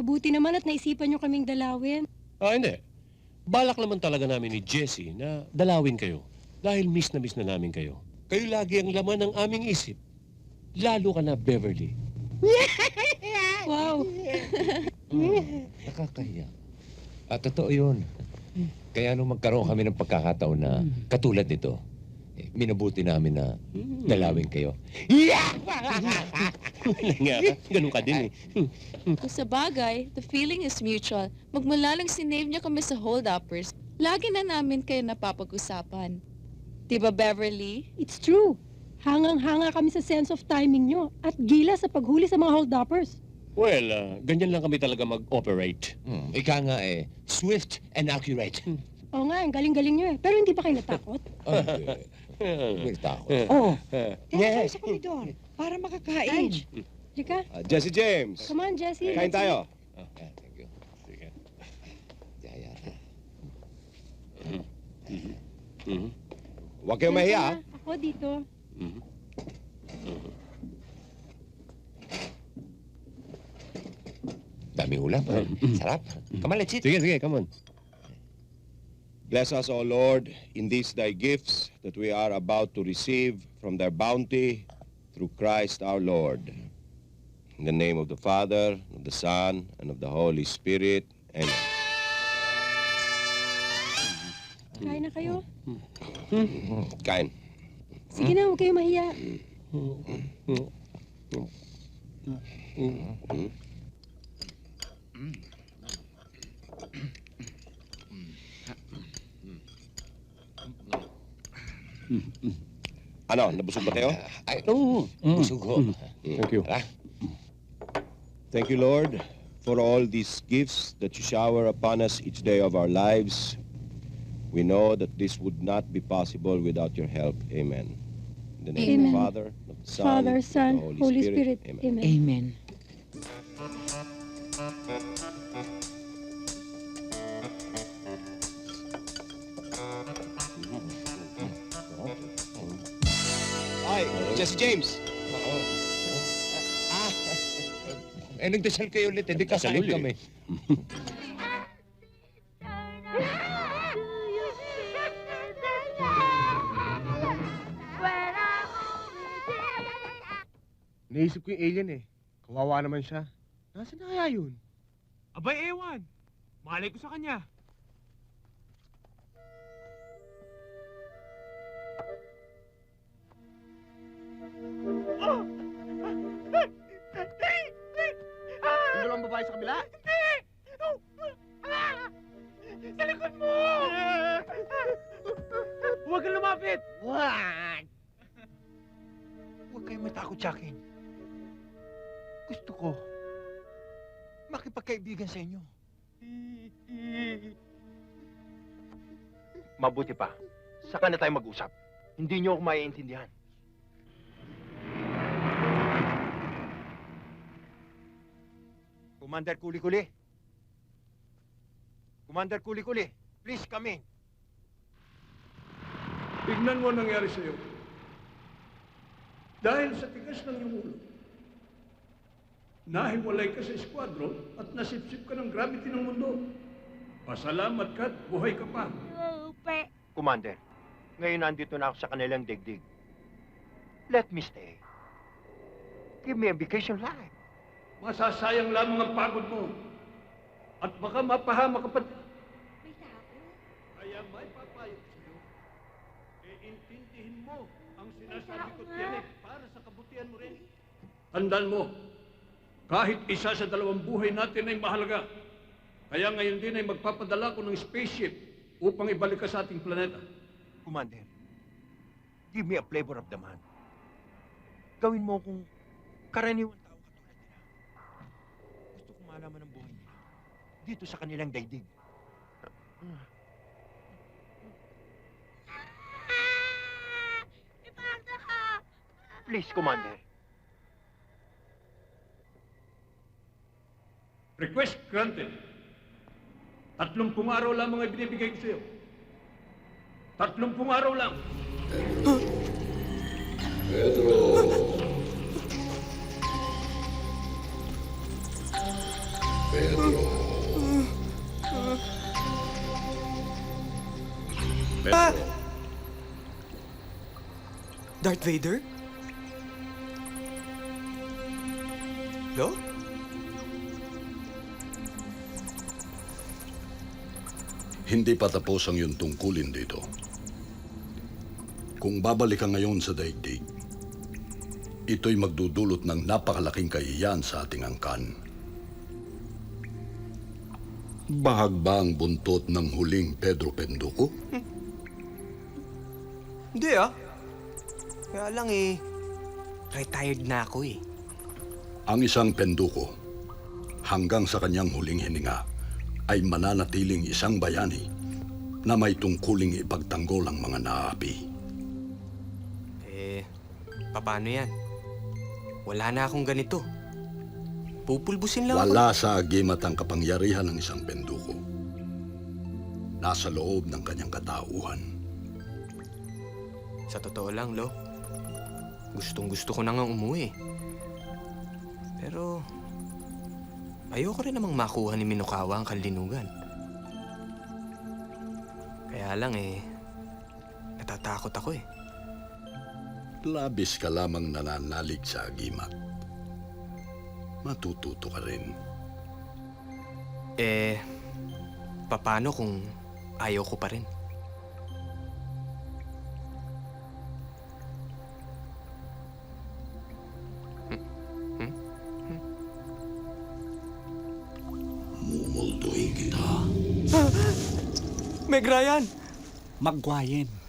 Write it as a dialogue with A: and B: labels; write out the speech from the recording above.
A: Mabuti naman at naisipan nyo kaming dalawin.
B: Hindi. Balak naman talaga namin ni Jessie na dalawin kayo. Dahil miss na namin kayo. Kayo lagi ang laman ng aming isip. Lalo ka na, Beverly.
A: Wow!
C: Nakakahiya. Totoo yun. Kaya nung magkaroon kami ng pagkakataon na katulad nito, minabuti namin na dalawin kayo.
B: Nga ka, ganun ka din eh.
D: Kung sa bagay, the feeling is mutual. Magmula lang sinave niya kami sa hold-uppers, lagi na namin kayo napapag-usapan. Diba, Beverly?
A: It's true. Hangang-hanga kami sa sense of timing nyo at gila sa paghuli sa mga hold-uppers.
B: Well, ganyan lang kami talaga mag-operate.
C: Ika nga swift and accurate.
A: Oo nga, ang galing-galing nyo eh. Pero hindi ba kayo natakot?
C: May takot.
E: Oh,
B: Yes.
E: sa koridor para makakain.
A: Ange, Lika,
F: Jesse James,
A: come on, Jessie.
F: kain tayo.
C: Thank you.
B: Sige.
C: Yaya.
F: Huwag kayong mahiya.
A: Ako dito.
C: Daming ulam. Sarap. Come on, let's eat.
B: Sige, come on.
F: Bless us, O Lord, in these thy gifts that we are about to receive from thy bounty through Christ our Lord. In the name of the Father, of the Son, and of the Holy Spirit. Amen.
A: Kain na kayo.
F: Kain.
A: Sige na, huwag kayo mahiya.
F: Ano, nabusog ba kayo?
C: Ay,
B: Oo.
C: busog ho.
B: Thank you.
C: Tara.
F: Thank you, Lord, for all these gifts that you shower upon us each day of our lives. We know that this would not be possible without your help. Amen. In the name of the
A: Amen.
F: Father, of the Son,
A: Father,
F: of
A: Son,
F: the
A: Holy Spirit.
F: Amen.
A: Amen.
E: Amen.
F: Ay, Jesse James.
C: Nagdasal kayo ulit. Hindi
B: Nagdasal
C: kakain
B: ulit.
C: kami.
G: Naisip ko yung alien eh. Kawawa naman siya. Nasaan na kaya yun?
H: Abay, ewan. Malay ko sa kanya.
G: Yung dalawang babae sa kabila?
H: Sa likod mo! Huwag kang lumapit!
G: Wag! Huwag kayong matakot sa akin. Gusto ko makipagkaibigan sa inyo.
H: Mabuti pa. Saka na tayo mag-usap. Hindi niyo ako maiintindihan.
G: Commander Kuli-Kuli. Commander Kuli-Kuli, please come in.
I: Tignan mo ang nangyari sa'yo. Dahil sa tigas ng iyong ulo, nahiwalay ka sa eskwadron at nasipsip ka ng gravity ng mundo. Pasalamat ka at buhay ka pa.
H: Commander, ngayon nandito na ako sa kanilang digdig. Let me stay. Give me a vacation life.
I: Masasayang lamang ang pagod mo. At baka mapahama ka pa. Kaya may papayo ko sa'yo. Intindihin mo ang sinasabi ko tiyanik para sa kabutihan mo rin. Tandaan mo, kahit isa sa dalawang buhay natin ay mahalaga. Kaya ngayon din ay magpapadala ko ng spaceship upang ibalik ka sa ating planeta.
H: Commander, give me a flavor of the man. Gawin mo kung karaniwang tao katulad nila. Gusto kong malaman ang buhay nila dito sa kanilang daigdig. Please, Commander.
I: Request granted. 30 araw lamang ay binibigay ko sa'yo. 30 araw lang.
J: Pedro. Pedro,
K: Darth Vader? Lo?
J: hindi pa tapos ang iyong tungkulin dito. Kung babalik ka ngayon sa daigdig, ito'y magdudulot ng napakalaking kahihiyan sa ating angkan. Bahag ba ang buntot ng huling Pedro Penduko?
K: Hindi Kaya lang retired na ako
J: Ang isang Penduko, hanggang sa kanyang huling hininga, ay mananatiling isang bayani na may tungkuling ipagtanggol ang mga naapi.
K: Paano yan? Wala na akong ganito. Pupulbusin lang
J: Wala sa agimat ang kapangyarihan ng isang Penduko. Nasa loob ng kanyang katauhan.
K: Sa totoo lang, Lo. Gustong-gusto ko na nga umuwi. Pero ayoko rin namang makuha ni Minokawa ang kanlinugan. Kaya lang natatakot ako
J: Labis ka lamang nananalig sa agimat. Matututo ka rin.
K: Paano kung ayaw ko pa rin?
J: Mumultuin kita.
K: Meg Ryan!
L: Magwayen.